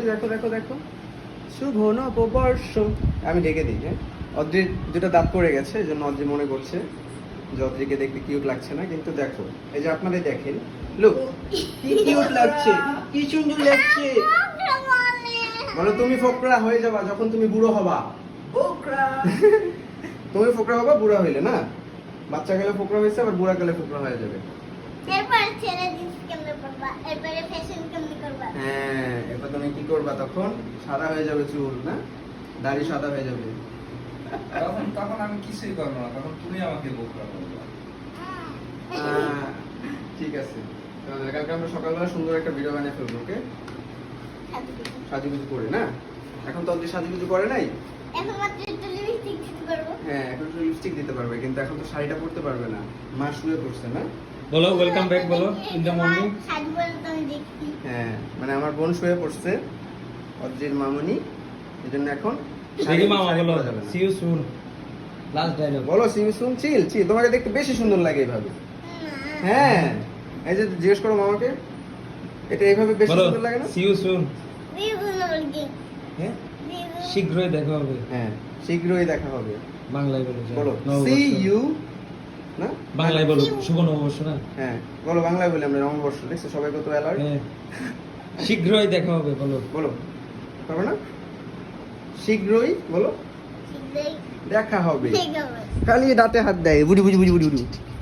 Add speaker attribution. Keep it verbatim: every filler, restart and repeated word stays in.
Speaker 1: দেখো দেখো দেখো শুভ নববর্ষ। আমি ডেকে দিই, হ্যাঁ। অদ্রির দুটো দাঁত পড়ে গেছে, এই জন্য অদ্রি মনে করছে যে অদ্রিকে দেখতে কিউট লাগছে না, কিন্তু দেখো এই যে আপনারাই দেখেন, লুক কি কিউট লাগছে, কি সুন্দর লাগছে। বলো তুমি ফোকরা হয়ে যাবা যখন তুমি বুড়ো হবা।
Speaker 2: ফোকরা
Speaker 1: তুমি ফোকরা হবা বুড়া হইলে, না? বাচ্চা গেলে ফোকরা হয়েছে, আবার বুড়া গেলে ফোকরা হয়ে যাবে।
Speaker 3: এরপর ছেড়ে জিন্স কেমনে পরবা, এরপরে ফ্যাশন কেমনে করবা?
Speaker 1: হ্যাঁ, এরপর তুমি কি করবা? তখন সাদা হয়ে যাবে চুল, না? দাড়ি সাদা হয়ে যাবে।
Speaker 2: তখন তখন আমি কিছুই করবো না, তখন তুমি আমাকে ফোকরা করবে।
Speaker 1: আহ, ঠিক আছে, তাহলে কালকে আমরা সকালবেলা সুন্দর একটা ভিডিও বানিয়ে ফেলবো, ওকে? সাজুগুজু করে, না? এখন তো অব্দি সাজুগুজু করে নাই।
Speaker 3: এখন মাত্র একটু লিপস্টিক দিতে পারবো।
Speaker 1: হ্যাঁ, এখন তো লিপস্টিক দিতে পারবে, কিন্তু এখন তো শাড়িটা পরতে পারবে না, মা শুয়ে পড়ছে, না?
Speaker 4: বলো ওয়েলকাম ব্যাক বলো ইন দ্য মর্নিং।
Speaker 3: সাজু বলে তো আমি দেখছি।
Speaker 1: হ্যাঁ, মানে আমার বোন শুয়ে পড়ছে, অদ্রির মামুনি, এজন্য এখন
Speaker 4: দেখি মামা
Speaker 1: শাড়ি
Speaker 4: বলো
Speaker 1: পরা যাবে না।
Speaker 4: See you soon, last dialogue
Speaker 1: বলো সিউ সুন চিল চিল, তোমাকে দেখতে বেশি সুন্দর লাগে এইভাবে। হ্যাঁ, এই যে জিজ্ঞেস করো মামাকে, এটা এইভাবে বেশি
Speaker 4: বলো
Speaker 1: সুন্দর লাগে না?
Speaker 4: See you soon.
Speaker 3: বিভিন্ন বলছি।
Speaker 1: হ্যাঁ
Speaker 4: শীঘ্রই দেখা হবে।
Speaker 1: হ্যাঁ, শীঘ্রই দেখা হবে।
Speaker 4: বাংলায় বলো যাও।
Speaker 1: বলো
Speaker 4: নববর্ষ।
Speaker 1: সি ইউ, না?
Speaker 4: বাংলায় বলো শুভ নববর্ষ, না?
Speaker 1: হ্যাঁ, বলো বাংলায় বলি আমরা নববর্ষ, দেখছো সবাই কত অ্যালার্ট।
Speaker 4: হ্যাঁ, শীঘ্রই দেখা হবে বলো।
Speaker 1: বলো, পারবে না? শীঘ্রই বলো
Speaker 3: শীঘ্রই
Speaker 1: দেখা হবে।
Speaker 3: ঠিক হবে।
Speaker 1: খালি দাঁতে হাত দেয়, বুড়ি বুড়ি বুড়ি বুড়ি বুড়ি।